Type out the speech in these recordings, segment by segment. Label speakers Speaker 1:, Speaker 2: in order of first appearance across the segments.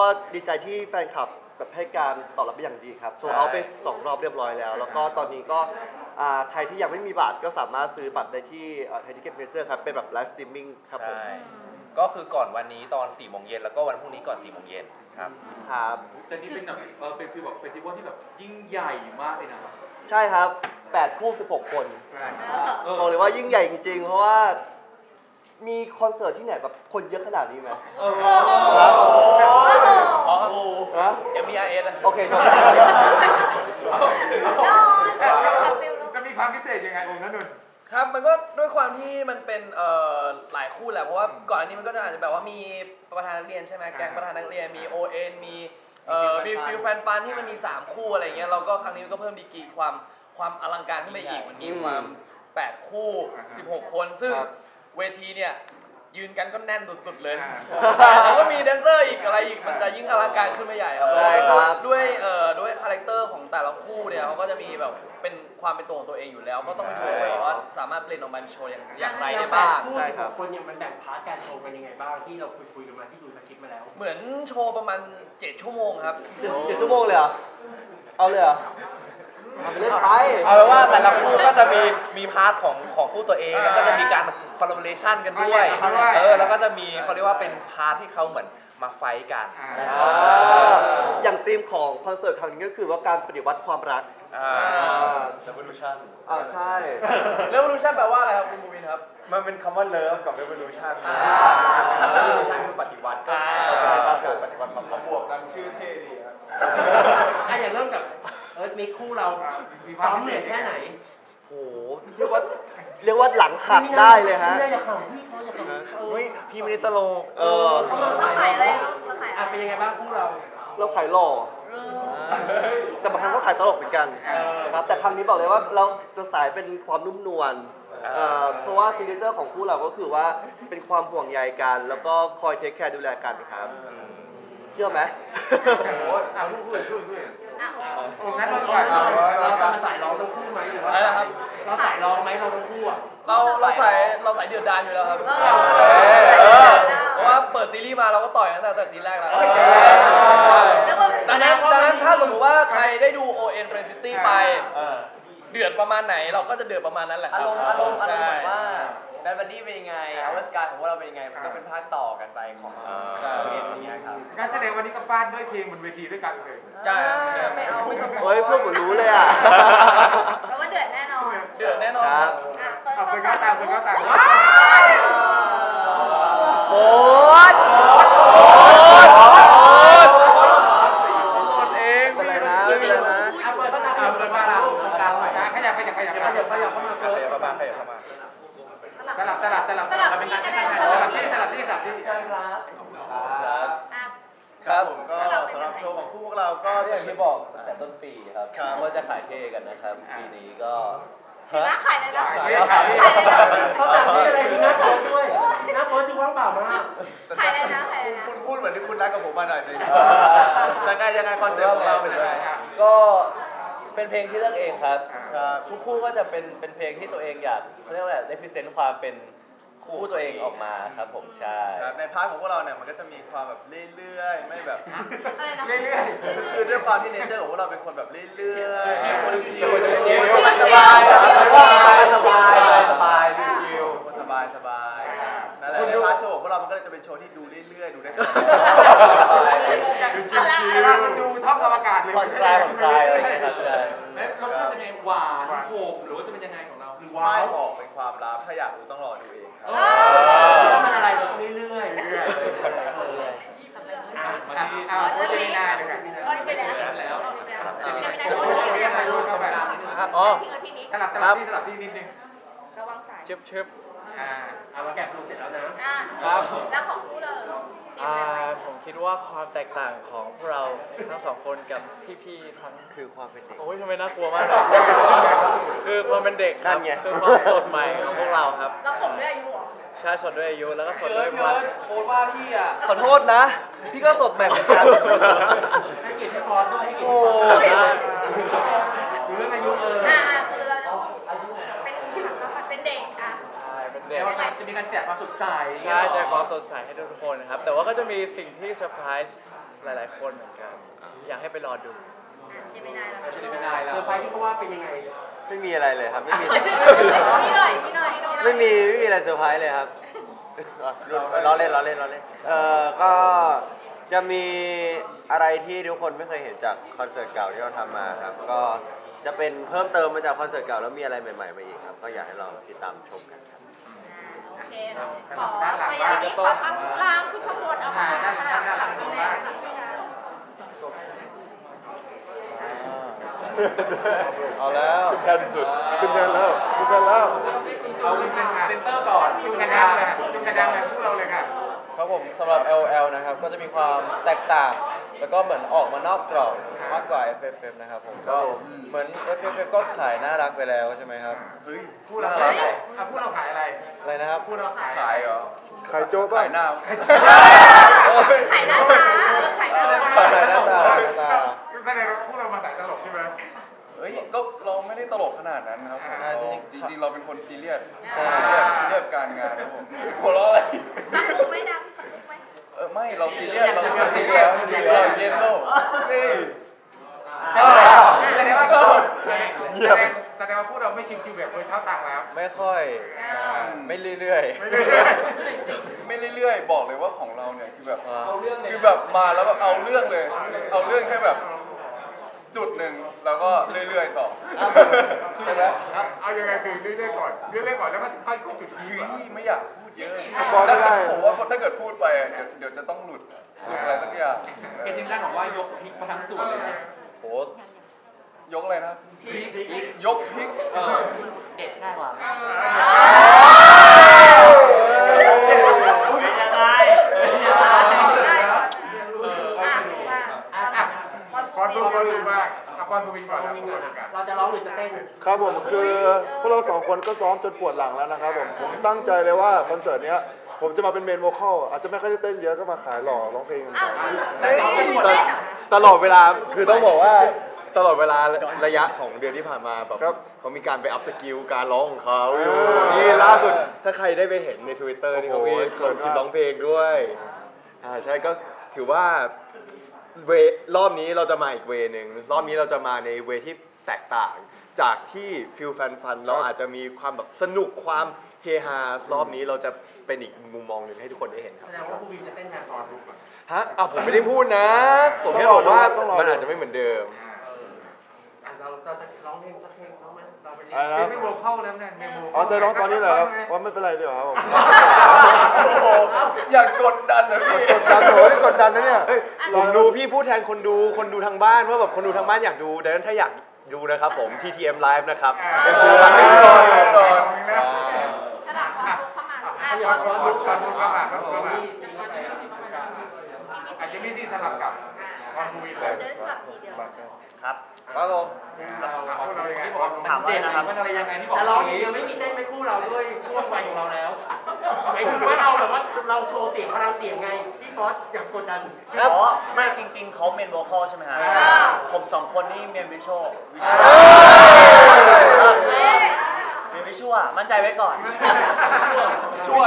Speaker 1: ดีใจที่แฟนคลับแบบให้การตอบรับเป็นอย่างดีครับโซเอาไป2 รอบเรียบร้อยแล้วแล้วก็ตอนนี้ก็ใครที่ยังไม่มีบัตรก็สามารถซื้อบัตรได้ที่ไทยทิเก็ตเมเจอร์ครับเป็นแบบไลฟ์สตรีมมิ่งครับผม
Speaker 2: ใช่ก็คือก่อนวันนี้ตอน4 โมงเย็นแล้วก็วันพรุ่งนี้ก่อน4 โมงเย็นครับ
Speaker 1: ครับ
Speaker 3: แต่นี่เป็นแบบเป็นฟีลแบบเฟสติวัลที่แบบยิ่งใหญ่มากเลยนะ
Speaker 1: ใช่ครับ8 คู่ 16 คนบอกเลยว่ายิ่งใหญ่จริงๆเพราะว่ามีคอนเสิร์ตที่ไหนแบบคนเยอะขนาดนี้ไหมครับ
Speaker 2: อ๋อ
Speaker 1: นะ
Speaker 2: MBRS
Speaker 1: โอเคครับ
Speaker 4: มันมีความพิเศษยังไงองค์นั้นนนท์
Speaker 5: ครับมันก็ด้วยความที่มันเป็นหลายคู่แหละเพราะว่าก่อนอันนี้มันก็จะอาจจะแบบว่ามีประธานนักเรียนใช่ไหมแก๊งประธานนักเรียนมี ON มีฟิลแฟนฟันที่มันมี3คู่อะไรเงี้ยเราก็ครั้งนี้ก็เพิ่มดีกรีความอลังการขึ้นไปอีกมันมีความ8 คู่16 คนซึ่งเวทีเนี่ยยืนกันก็แน่นสุดๆเลยแล้วก็มีแดนเซอร์อีกอะไรอีกมันจะยิ่งอลังการขึ้นไปใหญ่ครับด้วยคาแรคเตอร์ของแต่ละคู่เนี่ยเขาก็จะมีแบบเป็นความเป็นตัวของตัวเองอยู่แล้วก็ต้องไปดูว่าสามารถเปลี่ยนออกมาเป็นโชว์อย่างไรได้บ้าง
Speaker 6: ใช่ครับคนเนี่ยมันแบ่งพาร์ทการโชว์กันยังไงบ้างที่เราคุยกันมาที่ดูสคริปต์มาแล้ว
Speaker 5: เหมือนโชว์ประมาณ7 ชั่วโมงครับ
Speaker 1: 7 ชั่วโมงเลยเหรอเอาเลยเหรอเล่นไป
Speaker 2: เอาเป็นว่าแต่ละคู่ก็จะมีพาร์ทของคู่ตัวเองแล้วก็จะมีการคอลลาบอเรชันกันด้วยแล้วก็จะมีเขาเรียกว่าเป็นพาร์ทที่เขาเหมือนมาไฟท์กัน
Speaker 1: อย่างธีมของคอนเสิร์ตครั้งนี้ก็คือว่าการปฏิวัติความรัก
Speaker 2: Revolution
Speaker 1: ใช่
Speaker 5: Revolution แปลว่าอะไรครับคุณบูวินครับ
Speaker 2: มันเป็นคำว่า Love กับ Revolution Revolution คือปฏิวัติก็ปฏิวัติมาบวกกันชื่อเท่ดีครับ
Speaker 6: อย่างเริ่มกับมีคู่เราซ้อมเหนื่อยแค่ไหน
Speaker 1: โอ้โหเรียกว่าหลังหักได้เลยฮะ
Speaker 6: อย่าขำพี่เขาอย่าขำ
Speaker 2: พี่ไม่ได้ตลก
Speaker 7: เราขายอะไรเราขาย
Speaker 6: เป็นยังไงบ้างคู่เรา
Speaker 1: ขายหล่อแต่บางครั้งก็ขายตลกเหมือนกันครับแต่ครั้งนี้บอกเลยว่าเราจะสายเป็นความนุ่มนวลเพราะว่าซิกเนเจอร์ของคู่เราก็คือว่าเป็นความห่วงใยกันแล้วก็คอยเทคแคร์ดูแลกันครับเชื่อไหม
Speaker 4: องค์นั้นนนท์ก่อน
Speaker 6: เราจะมาสายร้องทั้งคู่ไหมหรือว่าเราสายร้องไหมเราทั้งคู่อ่ะ
Speaker 5: เราสายเดือดดานอยู่แล้วครับเพราะว่าเปิดซีรีส์มาเราก็ต่อยตั้งแต่ซีรีส์แรกแล้วดังนั้นถ้าสมมติว่าใครได้ดู ON Friend City ไปเดือดประมาณไหนเราก็จะเดือดประมาณนั้นแหละ
Speaker 2: อารมณ์เหมือนว่าแบดบัดดี้เป็นยังไงอเวอร์สกายของพวกเราเป็นยังไงมันก็เป็นภาคต่อกันไปของONอย่างเงี้ยครับ
Speaker 4: การแสดงวันนี้ก็ฟาดด้วยเพลงบนเวทีด้วยกันเลย
Speaker 5: ใช่
Speaker 1: เฮ้ยพวกผมรู้เลยอ่ะ
Speaker 7: แปลว่าเดือดแน่นอน
Speaker 1: ครับ
Speaker 4: เอาไปเข้าตาม
Speaker 1: โอ๊ตเองเป็นไรนะ
Speaker 6: เปิดเข้าตามเปิดมาแล้วตรงกลางหน่อย
Speaker 4: ขยับเข้ามา
Speaker 2: เข้ามา
Speaker 4: สลับที่
Speaker 8: ครับผมก็สำหรับโชว์ของคู่พวกเราก็อย่างที่บอกตั้งแต่ต้นปีครับว่าจะขายเท่กันนะครับปีนี้ก็
Speaker 7: ขายเลยนะ
Speaker 6: เขาแต่งที่อะไรดีนะโพสด้วยนะโพสดูว่างเปล่ามาก
Speaker 7: ขายเลยนะ
Speaker 8: คุณพูดเหมือนที่คุณรักกับผมมาหน่อยสิยังไงคอนเซ็ปต์ของเราเป็นยังไง
Speaker 9: ก็เป็นเพลงที่เลือกเองครับทุกคู่ก็จะเป็นเพลงที่ตัวเองอยากเขาเรียกว่าอะไรได้พรีเซนต์ความเป็นคู่ตัวเองออกมาครับผมใช่
Speaker 8: ในพาร์ทของพวกเราเนี่ยมันก็จะมีความแบบเรื่อยๆไม่แบบ
Speaker 4: เรื่อย
Speaker 8: คือด้วยความที่เนเจอร์ของพวกเราเป็นคนแบบเรื่อยๆ
Speaker 5: ชิล
Speaker 1: สบาย
Speaker 8: นั่นแหละในพาร์ทโชว์ของพวกเรามันก็จะเป็นโชว์ที่ดูเรื่อยๆดูได้
Speaker 4: มันดูท็อปอวกาศเลย
Speaker 9: ผ่อนคลายอะไรอย่างเงี้ยครับใช่
Speaker 3: รสชาติจะเป็นหวานขมหรือว่าจะเป็นยังไงของเรา
Speaker 8: ไม่บอกเป็นความลับถ้าอยากรู้ต้องรอดูเองครับ
Speaker 6: มันอะไรแบบเรื่อย
Speaker 4: โอเคนาเลยกัน
Speaker 7: ไปแล้ว
Speaker 4: สลับที่นิดนึง
Speaker 7: ระวังสาย
Speaker 5: เชิบ
Speaker 6: มาแกะดูเสร็จแล้ว
Speaker 7: นะครับแล้วของคู่เรา
Speaker 5: ผมคิดว่าความแตกต่างของพวกเราทั้งสองคนกับพี่ๆทั้ง
Speaker 1: คือความเป็นเด็ก
Speaker 5: โอ้ยทำไมน่ากลัวมากคือความเป็นเด็กครับคือความสดใหม่ของพวกเราครับ
Speaker 7: เราสดด้วยอายุหรอ
Speaker 5: ใช่สดด้วยอายุแล้วก็สดด้วยพลังโอ้ว่าพี่อ่ะ
Speaker 1: ขอโทษนะพี่ก็สดแบบเหมือนกัน
Speaker 6: ให้เกียรติพี่พอด้วยให้เกียรติพี่พอดูเรื่องอายุ
Speaker 7: คือเราเป็นเด็ก
Speaker 5: เป็นเด็ก
Speaker 3: จะมีการแจกความสดใส
Speaker 5: ใช่แจกความสดใสให้ทุกคนนะครับแต่ว่าก็จะมีสิ่งที่เซอร์ไพรส์
Speaker 9: หลายๆคนเหมือนกัน อยากให้ไปรอดู
Speaker 7: เจมินายแล้ว
Speaker 3: จะไม่ได้แล้
Speaker 6: เซอ
Speaker 3: ว
Speaker 6: ร์ไพรส์ที่เขาว่าเป็นยังไง
Speaker 8: ไม่มีอะไรเลยครับ ไม่มี
Speaker 7: พี่หน่อยพี่หน่อย
Speaker 8: ไม่มีอะไรเซอร์ไพรส์เลยครับล้อเล่นก็จะมีอะไรที่ทุกคนไม่เคยเห็นจากคอนเสิร์ตเก่าที่เราทำมาครับ ก็จะเป็นเพิ่มเติมมาจากคอนเสิร์ตเก่าแล้วมีอะไรใหม่ๆมาอีกครับ ก็อยากให้ลองติดตามชมกันครับ
Speaker 7: โอเคขอพยายามขอข้างล่างขึ้นข้างบนเอามาด้านหลังนี่แหละ
Speaker 9: เอาแล้ว
Speaker 4: ขึ้นแทนสุดขึ้นแทนแล้วขึ้นแทนแล้ว
Speaker 3: เอาเซนเตอร์ก่อน
Speaker 4: ขึ้นกระดังเลยขึ้นกระดังเลยพวกเราเลยค่ะ
Speaker 9: ครับผมสำหรับ LL นะครับก็จะมีความแตกต่าง แล้วก็เหมือนออกมานอกกรอบมากกว่า FFF นะครับผมก็เหมือน FFF ก็ขายน่ารักไปแล้วใช่ไหมครับ
Speaker 4: เฮ้ยพูดเราขายพูดเราขายอะไร
Speaker 9: อะไรนะครับ
Speaker 4: พูดเราขาย
Speaker 2: ขายเหรอ
Speaker 4: ขายโจ๊กป่ะ
Speaker 2: ขายหน้า
Speaker 7: ไข่หน้าตาไข่หน้าตา
Speaker 9: ขายหน้าตา
Speaker 4: แสดงว่าพวกเรามาสายตลกใช่ไหม
Speaker 2: เฮ้ยก็เราไม่ได้ตลกขนาดนั้นครับ
Speaker 4: อ่า
Speaker 2: จริงๆเราเป็นคนซีเรียส
Speaker 9: ใช่
Speaker 2: ซีเรียสการงานครับผมหัวเราะอะไร
Speaker 7: ฟังมุกไหมดังฟังมุกไหม
Speaker 2: ไม่เราซีเรียสเราซีเรียสเราเย็นโลกนี่
Speaker 4: แสดงว่าแสดงว่าพวกเราไม่ชิวๆแบบคนเช่าตังค์แล้ว
Speaker 9: ไม่ค่อยไม่เรื่อย
Speaker 4: ไม่เรื่อย
Speaker 2: ไม่เรื่อยๆบอกเลยว่าของเราเนี่ยคือแบบ
Speaker 6: เอาเรื่องเลย
Speaker 2: คือแบบมาแล้วแบบเอาเรื่องเลย เอาเรื่องแค่แบบจุดหนึ่งแล้วก็เรื่อยๆต่อใช่ไหม
Speaker 4: เอายังไงคือเรื่อยๆก่อนเรื่อยๆก่อนแล้วก็ค่อยๆจุด
Speaker 2: เฮ้ยไม่อยากพูดเยอะ
Speaker 4: บอกไม่ได้
Speaker 2: ผมว่าถ้าเกิดพูดไปอะเดี๋ยวจะต้องหลุดอะไรสักอย่าง
Speaker 3: เอเจนต์ด้านบอกว่ายกพริกมาทั้งส่วนเลยนะ
Speaker 9: ๆโห
Speaker 2: ยกอะไรนะ
Speaker 3: พริก
Speaker 2: ยกพริก
Speaker 6: เด็ดง่ายกว่า
Speaker 7: เป็นยังไง
Speaker 4: ก่อนรู้บ้างเอาก่อนรู้ก่อนแล้วพูดกัน
Speaker 6: เราจะร้องหรือจะเต้น
Speaker 10: ครับผมคือพวกเราสองคนก็ซ้อมจนปวดหลังแล้วนะครับผมตั้งใจเลยว่าคอนเสิร์ตเนี้ยผมจะมาเป็นเมนโวคอลอาจจะไม่ค่อยได้เต้นเยอะก็มาขายหล่อร้องเพลงกันก่อน
Speaker 9: ตลอดเวลาคือต้องบอกว่าตลอดเวลาระยะ 2 เดือนที่ผ่านมาแบบเขามีการไปอัพสกิลการร้องของเขาอยู่นี่ล่าสุดถ้าใครได้ไปเห็นใน Twitter นี่เขามีส่วนคลิปร้องเพลงด้วยใช่ก็ถือว่าเวรอบนี้เราจะมาอีกเวนึงรอบนี้เราจะมาในเวที่แตกต่างจากที่ฟิลแฟนฟันเราอาจจะมีความแบบสนุกความเฮฮารอบนี้เราจะเป็นอีกมุมมองหนึ่งให้ทุกคนได้เห็นครับ
Speaker 6: แสดงว่าครูบิมจะเต้นแทนตอนทุกคน
Speaker 9: ฮะผมไม่ได้พูดนะ ผมแค่บอกว่ามันอาจจะไม่เหมือนเดิม
Speaker 6: เราจะร้องเพลงสักเพลงร้องไหมเราไปเรีย
Speaker 10: อะไร
Speaker 6: น
Speaker 10: นะครับ
Speaker 4: ไม่โวเข้าแล้วเนี่ยไม่โว
Speaker 10: อ๋อจะร้องตอนนี้เหรอครับว่าไม่เป็นไรเดี๋ยวครับผม
Speaker 2: โอ้โหอย่ากดดันนะพี่
Speaker 10: กดดันโหนี่กดดันนะเนี่ย
Speaker 9: ผมดูพี่พูดแทนคนดูทางบ้านว่าแบบคนดูทางบ้านอยากดูดังนั้นถ้าอยากดูนะครับผม TTM Live นะครับเป็นซื้อบัตรแน่นอน
Speaker 2: แน่นอน
Speaker 7: สลับความลุกเข้ามา
Speaker 4: ก่อนรู้เข้ามาอาจจะไม่ที่สลับกับก่อนรู้เลย
Speaker 7: เดินจับทีเดียว
Speaker 9: ครับผม
Speaker 4: พวกเรายังไง
Speaker 3: ถามเด่นนะครับมันอะไรยังไงที่บอก
Speaker 6: แต่เรายังไม่มีเต้นไม่คู่เราด้วยช่วงวัยของเราแล้วหมายถึงว่าเราแบบว่าเราโชว์เสียงพลังเสียงไงพี่บอสอยากกดดัน
Speaker 8: อ๋อไม่จริง ๆเขาเมนโวคอลใช่ไหมฮะผมสองคนนี่เมนวิชวลเมนวิชวลมั่นใจไว้ก่อน
Speaker 2: ชั่ว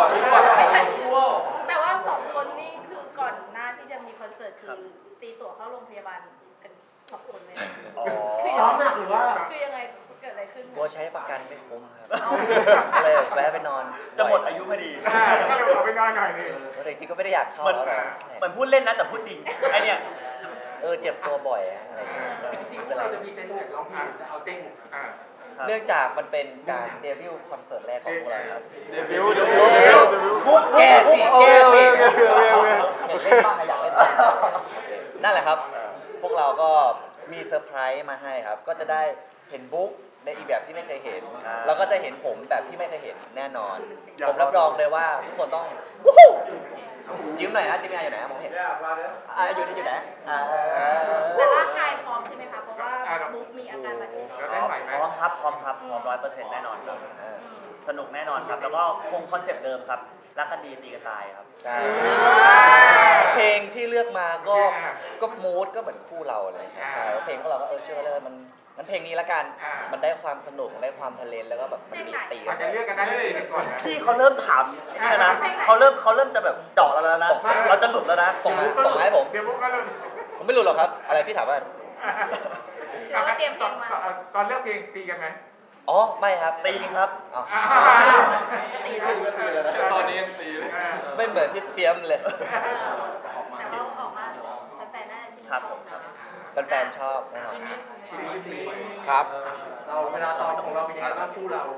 Speaker 7: แต่ว่าสองคนนี่คือก่อนหน้าที่จะมีคอนเสิร์ตคือตีตั๋วเข้าโรงพยาบาลกันสองคนเลย
Speaker 8: อ๋อ
Speaker 6: ซ้อมหนักหรือว่า
Speaker 7: คือยังไงเกิดอะไรขึ้น
Speaker 8: กลัวใช้ประกันไม่คุ้มครับก็เลยแวะไปนอน จะหมดอายุพอดี
Speaker 4: ก็เลยขอไปนอนหน่อยนึง
Speaker 8: แต่จริงๆก็ไม่ได้อยากเข้า
Speaker 11: เหมือน
Speaker 8: แล้วแต่
Speaker 11: เหมือนพูดเล่นนะแต่พูดจริงไอเนี่ย
Speaker 8: เจ็บตัวบ่อยอะอะไรอย่างเงี้ย
Speaker 6: จริงๆเราจะมีเซนต์แบบร้องเพลงจะเอาเต้น
Speaker 8: เนื่องจากมันเป็นการเดบิวต์คอนเสิร์ตแรกของพวกเราครับ
Speaker 10: เดบิวต์
Speaker 8: แก้สิ
Speaker 10: โอเค
Speaker 8: แก้สิ
Speaker 10: โอเค
Speaker 8: อยากเล่นบ้างอยากเล่นบ้างนั่นแหละครับ พวกเราก็มีเซอร์ไพรส์มาให้ครับ ก็จะได้เห็นบุ๊กในอีกแบบที่ไม่เคยเห็น แล้วก็จะเห็นผมแบบที่ไม่เคยเห็นแน่นอน ผมรับรองเลยว่าทุกคนต้องวู้ฮู้ยิ้มหน่อยนะจิมมี่อยู่ไหนมองเห็นอยู่ไหน
Speaker 7: แต่ร่างกายพร้อมใช่ไหมคะ เพราะว่าบุ๊กมีอาการบาดเจ็บ
Speaker 4: แล้วได้ไหวไหม
Speaker 11: พร้อมครับพร้อม100%แน่นอนครับ
Speaker 8: ค
Speaker 11: สนุกแน่นอนครับ แล้วก็คงคอนเซ็ปต์เดิมครับรักกันดีตีกันตายครับ
Speaker 8: ใช่เพลงที่เลือกมาก็มูดก็เหมือนคู่เราอะไรอย่างเงี้ยใช่เพลงของเราก็เชื่อเลยมันเพลงนี้ละกัน มันได้ความสนุกได้ความทะเลนแล้วก็แบบมันมีตีกั
Speaker 4: อาจจะเลือกกันได้ไม่ติดก่อนนะ
Speaker 11: พี่เขาเริ่มถามนี่แล้วนะเขาเริ่มจะแบบเจาะเราแล้วนะ เราจะหลุดแล้วนะ
Speaker 8: ส่งมาให้ผม
Speaker 4: เดี๋ยวพวกก็เริ่ม
Speaker 8: ผมไม่รู้หรอกครับ อะไรพี่ถามว่า
Speaker 7: หรือว่าเตรียมเพลงมา
Speaker 4: ตอนเลือกเพลงตีกันไหม
Speaker 8: อ๋อไม่ครับ
Speaker 11: ตีครับ
Speaker 8: อ๋อ
Speaker 7: ตีแล้ว
Speaker 3: ตอนนี้ยังตีเลย
Speaker 8: ไม่เหมือนที่เตรียมเลย
Speaker 7: แต่ว่าออกมาแฟนๆน่าจะชื่นช
Speaker 11: ครับผมครับ
Speaker 8: แฟนๆชอบแน่นอน
Speaker 9: ครับ
Speaker 6: เราเวลาซ้อมของเราเป็นยังไงบ้างคู่เรา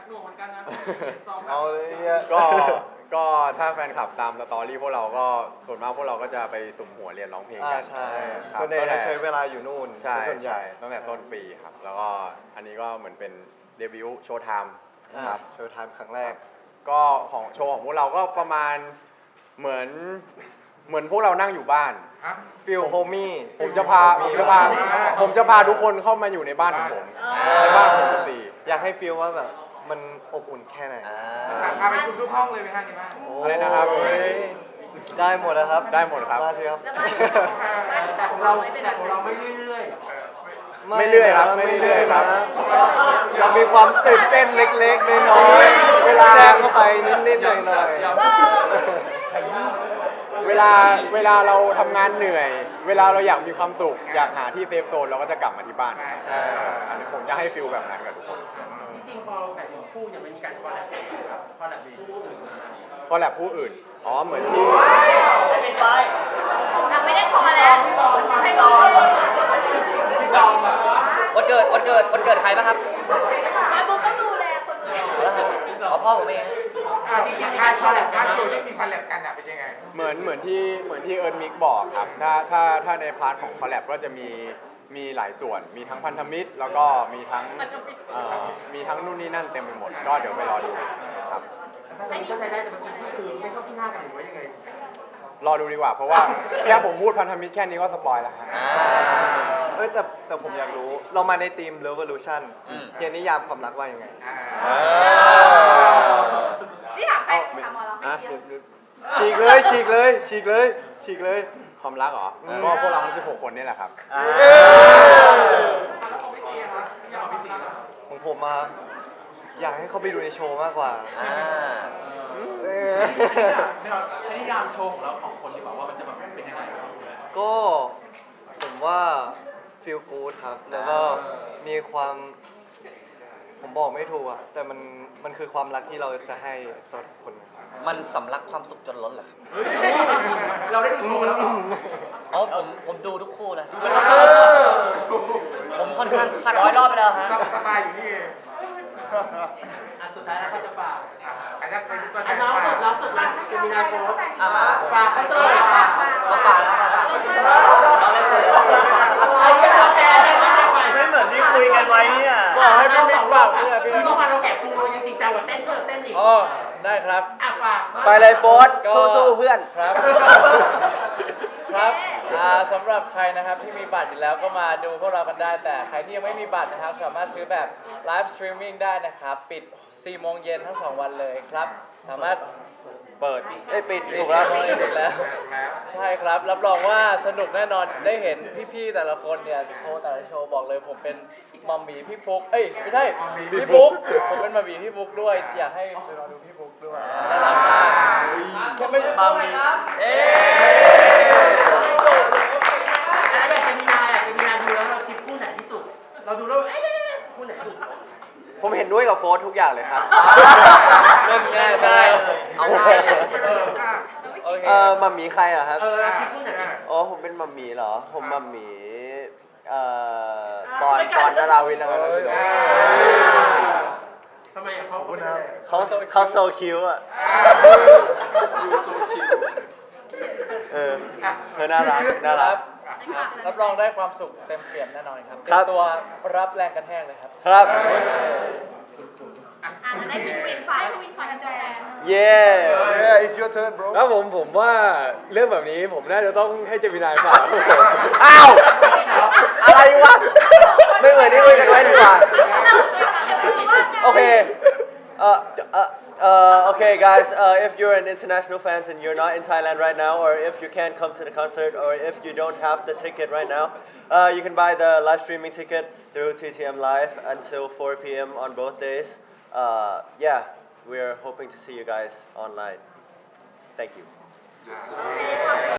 Speaker 9: เอาเลยเนี่ยก็ถ้าแฟนคลับตามสตอรี่พวกเราก็ส่วนมากพวกเราก็จะไปสุ่มหัวเรียนร้องเพลงกัน
Speaker 1: ใช่
Speaker 9: ครับ
Speaker 1: ส่วนใหญ่จะใช้เวลาอยู่นู่น
Speaker 9: ใช่
Speaker 1: ส่วนใหญ่
Speaker 9: ตั้งแต่ต้นปีครับ แล้วก็อันนี้ก็เหมือนเป็นเดบิวต์โชว์ไทม์ครับ
Speaker 1: โชว์ไทม์ครั้งแรก
Speaker 9: ก็ของโชว์ของพวกเราก็ประมาณเหมือนพวกเรานั่งอยู่บ้าน
Speaker 1: ฟิลโฮมี่
Speaker 9: ผมจะพาทุกคนเข้ามาอยู่ในบ้านของผมในบ้านของผมสี่
Speaker 1: อยากให้ฟิลว่าแบบมันอบอุ่นแค่ไหน
Speaker 4: พาไปคุมทุกห้องเลยไหมฮะนี่บ้าง
Speaker 9: อะไรนะครับ
Speaker 1: ได้หมดนะครับ
Speaker 9: ได้หมดครับ
Speaker 1: มาสิครับ
Speaker 6: แต่ของเราไม่เรื่อย
Speaker 9: ไม่เรื่อยครับ
Speaker 1: ไม่
Speaker 9: ไม่เรื่
Speaker 1: เรื่อ
Speaker 9: อยย
Speaker 1: นะ
Speaker 9: ครับ
Speaker 1: เรามีความตื่นเต้นเล็กๆน้อยๆเวลาแทรกเข้าไปนิดๆหน่อย
Speaker 9: เวลาเราทำงานเหนื่อย เวลาเราอยากมีความสุข อยากหาที่เซฟโซนเราก็จะกลับมาที่บ้านอันนี้ผมจะให้ฟิลแบบนั้นกับทุกคน
Speaker 6: ๆจริงๆพอแต่งคู่เนี่ยมันมีการคอลแลบครับคอลแลบคู่อื่น
Speaker 9: คอลแลบผู้อื่น อ๋อ เหมือนที่
Speaker 11: ไม่เป็นไร
Speaker 7: ไม่ได้คอแล้วให้บอกเลย
Speaker 8: วันเกิดใครป่ะครับ
Speaker 7: แล้วบุ๊กก็ดูแลคนดู
Speaker 8: แล้วครับอ๋อพ่อผมเอง
Speaker 4: จริงๆการคอลแลบการโชว์ที่มีคอลแลบกันเป็นยังไง
Speaker 9: เหมือนที่เอิร์นมิกบอกครับ ถ้าในพาร์ทของคอลแลบก็จะมีหลายส่วน มีทั้งพันธมิตร แล้วก็มีทั้งนู่นนี่นั่นเต็มไปหมด ก็เดี๋ยวไปรอดูครับ
Speaker 6: ถ้าเราเข้าใจได้แต่บางทีคือไม่ชอบที่หน้ากันหรือว่ายังไง
Speaker 9: รอดูดีกว่า เพราะว่าแค่ผมพูดพันธมิตรแค่นี้ก็สปอยแล้วครับ
Speaker 1: เอ้ยแต่ผมอยากรู้ เรามาในทีม Revolution เฮียนิยามความรักว่ายังไง
Speaker 7: นี่ถามใครถามหมอเราไม่เกี่ยว
Speaker 1: ฉีกเลย
Speaker 9: ความรักเหรอ ก็พวกเราทั้ง16 คนนี่แหละครับ
Speaker 1: ของผมมาอยากให้เขาไปดูในโชว์มากกว่า
Speaker 3: ให้นิยามโชว์ของเราสองคนดีกว่าว่ามันจะแบบเป็นยังไงครับ
Speaker 1: ก็ผมว่าฟีลกู๊ดครับ แล้วก็มีความ ผมบอกไม่ถูกอะแต่มันคือความรักที่เราจะให้ต่อทุกคน
Speaker 8: มันสำลักความสุขจนล้นเหรอครับ
Speaker 3: เราได้ดูโชว์แล้วเหรอ
Speaker 8: อ๋อผมดูทุกคู่เลยผมค่อนข้างคาด
Speaker 11: 100 รอบไปแล้วฮะ
Speaker 4: สบายอยู่นี่เอง
Speaker 6: อันสุดท้ายแล้วเขาจะฝาก
Speaker 4: อันนี้เป็นตัวแท
Speaker 6: อัน
Speaker 4: น
Speaker 6: น้องสุดน้องสุดมาจะมีนาโค้ด
Speaker 8: มา
Speaker 6: ฝากเขาเจอฝาก
Speaker 8: มาฝากแล้วมาฝากเอาเลย
Speaker 6: อะไรกันแล้วแกไม่
Speaker 11: ไม่เหมือนที่คุยกันไว้เนี่ย
Speaker 6: บอกให้พี่ฝากเนี่ยพี่ต้องมาเราแกะปูเรายังจริงจังกว่าเต้นเพิ่มเต้นอีก
Speaker 5: อ๋อได้ครับ
Speaker 6: อ่ะฝาก
Speaker 1: ไปเลยโฟส
Speaker 5: ก็
Speaker 1: สู้ๆเพื่อน
Speaker 5: ครับ ครับสำหรับใครนะครับที่มีบัตรอยู่แล้วก็มาดูพวกเรากันได้ แต่ใครที่ยังไม่มีบัตรนะครับ สามารถซื้อแบบไลฟ์สตรีมมิ่งได้นะครับ ปิด 4 โมงเย็นทั้ง 2 วันเลยครับ สามารถ
Speaker 1: เปิดปิดถูกแล้ว
Speaker 5: ปิดแล้ว ใช่ครับ รับรองว่าสนุกแน่นอน ได้เห็นพี่ๆแต่ละคนเนี่ยโชว์แต่ละโชว์บอกเลยผมเป็นมัมมี่พี่ฟุ๊กไม่ใช่พี่ฟุ๊กผมเป็นมัมมี่พี่ฟุ๊กด้วย อยากให้ไปรอดูพี่ฟุ๊กด้วยน่ารักมากแค่ไม่มัมมี่ครับ
Speaker 6: แล้วอยากจะมีนาดูแล้วเราชิปคู่ไหนที่สุด เราดูแล้วคู่ไหนสุด
Speaker 1: ผมเห็นด้วยกับโฟสทุกอย่างเลยครับ
Speaker 5: เล่นง่ายได้เอาได้โอเค
Speaker 1: มัมหมีใครเหรอครับ
Speaker 6: เราชิปคู่ไหน
Speaker 1: อ๋อ ผมเป็นมัมหมีเหรอ ผมมัมหมีปอนดาราวินอะไรกันอยู่
Speaker 6: ทำไมอ่ะเขาเป็น
Speaker 1: เขาโซคิวอ่ะ
Speaker 3: ยูโซคิว
Speaker 1: เออน่ารัก
Speaker 5: รับรองได้ความสุขเต็มเปี่ยมแน่นอนครับเต็
Speaker 1: ครั
Speaker 5: ม
Speaker 1: บ
Speaker 5: ตัวรับแรงกระแทกเลยครับ
Speaker 1: ครับ
Speaker 7: ได้พิงวินฝ่ายกันแจง
Speaker 1: เย้
Speaker 10: Yeah it's your turn bro
Speaker 9: แล้วผมว่าเรื่องแบบนี้ผมน่าจะต้องให้เจมินายฝาก
Speaker 1: อ้าว อะไรวะ ไม่เหมือนที่คุยกันไว้ดีกว่า โอเค Okay, guys. If you're an international fans and you're not in Thailand right now, or if you can't come to the concert, or if you don't have the ticket right now, you can buy the live streaming ticket through TTM Live until 4 p.m. on both days. Yeah, we're hoping to see you guys online. Thank you.